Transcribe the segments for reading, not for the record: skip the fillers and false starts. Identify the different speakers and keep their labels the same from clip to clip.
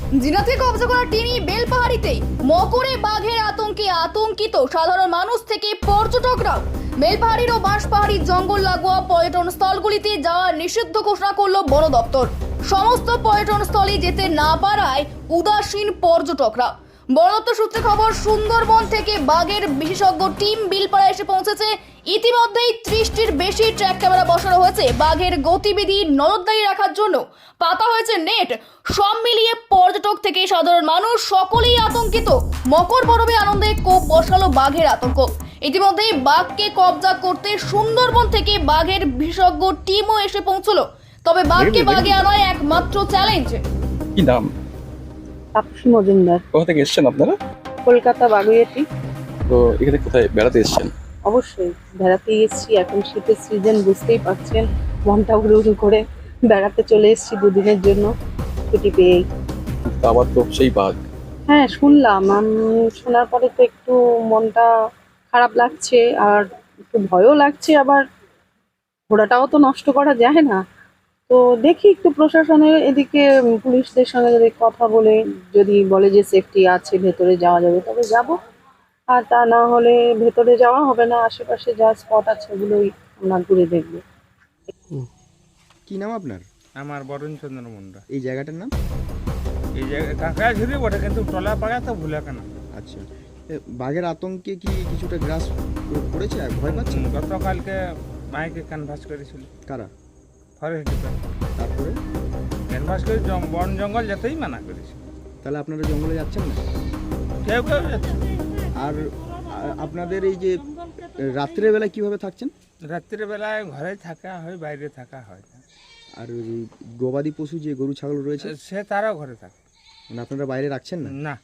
Speaker 1: জিনাতে কবজা করা টিনি বেলপাহাড়িতে মকরে বাঘের আতঙ্কে আতঙ্কিত সাধারণ মানুষ থেকে পর্যটকরাও। বেলপাহাড়ির ও বাঁশপাহাড়ির জঙ্গল লাগোয়া পর্যটন স্থলগুলিতে যাওয়া নিষিদ্ধ ঘোষণা করলো বন দপ্তর। সমস্ত পর্যটন স্থলে যেতে না পারায় উদাসীন পর্যটকরা। বন দপ্তর সূত্রে খবর, সুন্দরবন থেকে বাঘের বিশেষজ্ঞ টিম বিলপাড়া এসে পৌঁছেছে। ইতিমধ্যেই 30টির বেশি ট্র্যাক ক্যামেরা বসানো হয়েছে। বাঘের গতিবিধি নজরদারি রাখার জন্য পাতা হয়েছে নেট। সব মিলিয়ে পর্যটক থেকে সাধারণ মানুষ সকলেই আতঙ্কিত। মকর পরবে আনন্দে কোপ বসালো বাঘের আতঙ্ক। ইতিমধ্যেই বাঘকে কবজা করতে সুন্দরবন থেকে বাঘের বিশেষজ্ঞ টিমও এসে পৌঁছলো। তবে বাঘকে বাগে আনায় একমাত্র চ্যালেঞ্জ।
Speaker 2: কি নাম?
Speaker 3: তাপসী মজুমদার।
Speaker 2: কোথা থেকে এসেছেন আপনারা?
Speaker 3: কলকাতা বাগুইয়াটি।
Speaker 2: তো এখানে কোথায় বেড়াতে এসেছেন?
Speaker 3: অবশ্যই বেড়াতে এসেছি, এখন শীতের সিজন, বুঝতেই পারছেন। মনটা উড়ু উড়ু করে বেড়াতে চলে এসেছি দুদিনের জন্য ছুটি পেয়েই।
Speaker 2: তো আবার তো সেই বাঘ।
Speaker 3: হ্যাঁ, শুনলাম। শোনার পরে তো একটু মনটা খারাপ লাগছে, আর একটু ভয়ও লাগছে। আবার ঘোড়াটাও তো নষ্ট করা যায় না। তো দেখি একটু প্রশাসনের এদিকে পুলিশদের সঙ্গে যদি কথা বলে, যদি বলে যে সেফটি আছে, ভেতরে যাওয়া যাবে, তবে যাব। আর তা না হলে ভেতরে যাওয়া হবে না। আশেপাশে যা স্পট আছে ওগুলোই আমরা ঘুরে দেখবো।
Speaker 4: কি নাম আপনার?
Speaker 5: আমার বরুণ চন্দ্র মুন্ডা।
Speaker 4: এই জায়গাটার নাম?
Speaker 5: এই জায়গায় কাঁকড়া ঝুড়ি বটে, কিন্তু টলা পাড়া তো ভুলে কেন।
Speaker 4: আচ্ছা, বাঘের আতঙ্কে কি কিছুটা গ্রাস করেছে? ভয় পাচ্ছেন?
Speaker 5: গতকালকে মাইকে ক্যানভাস করেছিল।
Speaker 4: কারা?
Speaker 5: Forest department.
Speaker 4: তারপরে
Speaker 5: ক্যানভাস করে বন জঙ্গল যেতেই মানা করেছে।
Speaker 4: তাহলে আপনারা জঙ্গলে যাচ্ছেন না?
Speaker 5: কেউ কেউ যাচ্ছে।
Speaker 4: আর আপনাদের এই যে রাত্রের বেলা কিভাবে থাকছেন?
Speaker 5: রাত্রির বেলায় ঘরে থাকা হয়, বাইরে থাকা হয় না।
Speaker 4: আর ওই গবাদি পশু যে গরু ছাগল রয়েছে
Speaker 5: সে তারাও ঘরে থাকে
Speaker 4: মানে আপনারা বাইরে রাখছেন না?
Speaker 5: না।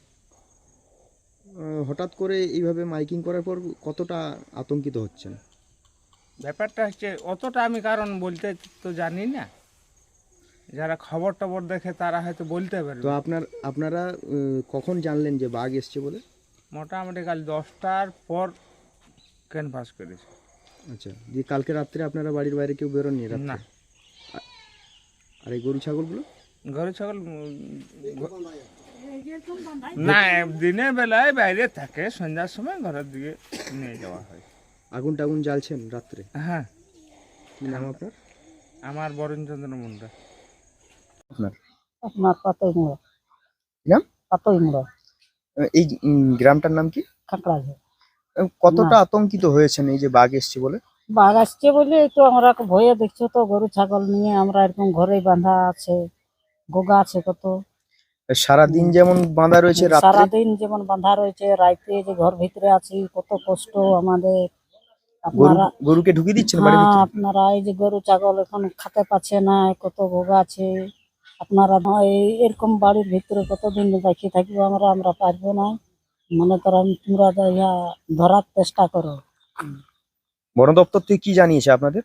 Speaker 4: হঠাৎ করে এইভাবে মাইকিং করার পর কতটা আতঙ্কিত হচ্ছেন?
Speaker 5: ব্যাপারটা হচ্ছে অতটা আমি কারণ বলতে তো জানি না। যারা খবর টবর দেখে তারা হয়তো বলতে পারবে।
Speaker 4: তো আপনারা কখন জানলেন যে বাঘ এসছে বলে?
Speaker 5: মোটামুটি কাল 10টার পর ক্যানভাস করেছে।
Speaker 4: আচ্ছা, যে কালকে রাত্রে আপনারা বাড়ির বাইরে কেউ বেরোননি রাত্রে?
Speaker 5: না।
Speaker 4: আর এই গরু ছাগলগুলো?
Speaker 5: গরু ছাগল না, দিনের বেলায় বাইরে থাকে, সন্ধ্যার সময় ঘরের দিকে নিয়ে যাওয়া হয়।
Speaker 4: আগুন টাগুন জ্বালছেন রাত্রে?
Speaker 5: হ্যাঁ।
Speaker 4: কি নাম আপনার?
Speaker 5: আমার বরুণ চন্দ্র মুন্ডা।
Speaker 3: আপনার পাতই মোড়া।
Speaker 4: নাম?
Speaker 3: পাতই মোড়া।
Speaker 4: এই গ্রামটার নাম কি?
Speaker 3: কাঁকড়া।
Speaker 4: কতটা আতঙ্কিত হয়েছেন এই যে বাঘ এসছে বলে?
Speaker 3: বাঘ আসছে বলে তো আমরা ভয়ে, দেখছো তো, গরু ছাগল নিয়ে আমরা এরকম ঘরেই বাঁধা আছে। গোগা আছে কত।
Speaker 4: সারাদিন যেমন বাঁধা রয়েছে, রাত্রে
Speaker 3: সারাদিন যেমন বাঁধা রয়েছে, রাইতে যে ঘর ভিতরে আছি, কত কষ্ট আমাদের। আপনারা
Speaker 4: গরুকে ঢুকিয়ে দিচ্ছেন বাড়ির ভিতরে?
Speaker 3: আপনারা এই যে গরু ছাগল এখন খেতে পাচ্ছে না, কত গোগা আছে। আপনারা এরকম বাড়ির ভিতরে কতদিন রেখে থাকবো আমরা পারবো না। মনে করো তোমরা ইয়া ধরার চেষ্টা করো।
Speaker 4: বন দপ্তর থেকে কি জানিয়েছে আপনাদের?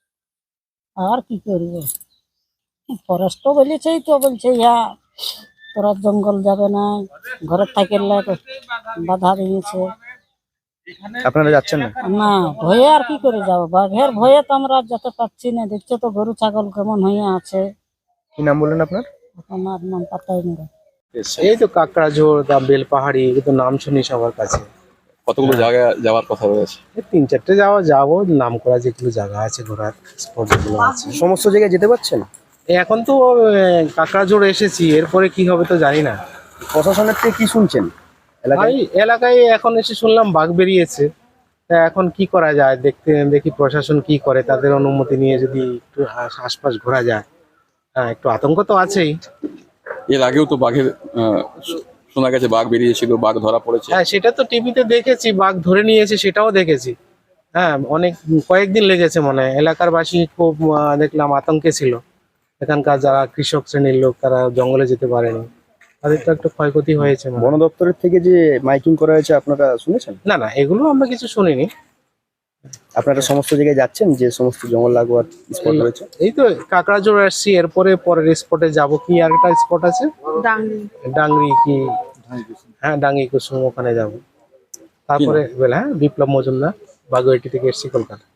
Speaker 3: আর কি করবো, ফরেস্ট বলেছেই তো, বলছে ইয়া তোরা জঙ্গল যাবে না, ঘরে থাকলে বাধা দিয়েছে।
Speaker 4: আপনারা যাচ্ছেন না?
Speaker 3: না, ভয়ে আর কি করে যাবো, বাঘের ভয়ে তো আমরা যেতে পারছি না। দেখছো তো গরু ছাগল কেমন হয়ে আছে।
Speaker 4: কি নাম বললেন আপনার?
Speaker 3: আমার নাম পাতাই মোড়া।
Speaker 6: এই তো কাকড়াঝোড়, বেলপাহাড়ি, এগুলো তো নাম শুনি সবার কাছে।
Speaker 2: কতগুলো জায়গায় যাওয়ার কথা রয়েছে?
Speaker 6: এই 3-4টে যাবো, নাম করা যেগুলো জায়গা আছে, ঘোরার স্পট যেগুলো আছে।
Speaker 4: সমস্ত জায়গায় যেতে পারছেন?
Speaker 6: এখন তো কাকড়াঝোড় এসেছি, এরপরে কি হবে তো জানি না।
Speaker 4: প্রশাসনের থেকে কি শুনছেন?
Speaker 6: ভাই এলাকায় এখন এসে শুনলাম বাঘ বেরিয়েছে। তা এখন কি করা যায়, দেখি প্রশাসন কি করে। তাদের অনুমতি নিয়ে যদি একটু আশপাশ ঘোরা যায়। হ্যাঁ, একটু আতঙ্ক তো আছেই।
Speaker 2: এর আগেও তো বাঘের শোনা গেছে বাঘ বেরিয়েছিল, বাঘ ধরা পড়েছে।
Speaker 6: হ্যাঁ, সেটা তো টিভিতে দেখেছি, বাঘ ধরে নিয়েছে সেটাও দেখেছি। হ্যাঁ, কয়েকদিন লেগেছে মনে হয়। এলাকার বাসী খুব দেখলাম আতঙ্কে ছিল। এখানকার যারা কৃষক শ্রেণীর লোক, তারা জঙ্গলে যেতে পারেনি, তাদের তো একটু ক্ষয়ক্ষতি হয়েছে।
Speaker 4: বন দপ্তরের থেকে যে মাইকিং করা হয়েছে আপনারা শুনেছেন?
Speaker 6: না, এগুলো আমরা কিছু শুনিনি।
Speaker 4: আপনারা সমস্ত জায়গায় যাচ্ছেন যে সমস্ত জঙ্গল লাগোয়ার স্পট রয়েছে?
Speaker 6: এই তো কাকড়াঝোড় আসছি, এরপরে পরের স্পটে যাব। কি আর একটা স্পট আছে ডাংরি কি? হ্যাঁ, ডাঙ্গি কুসুম, ওখানে যাব। তারপরে হ্যাঁ, বিপ্লব মজুমদার, বাগুইয়াটি থেকে এসছি, কলকাতা।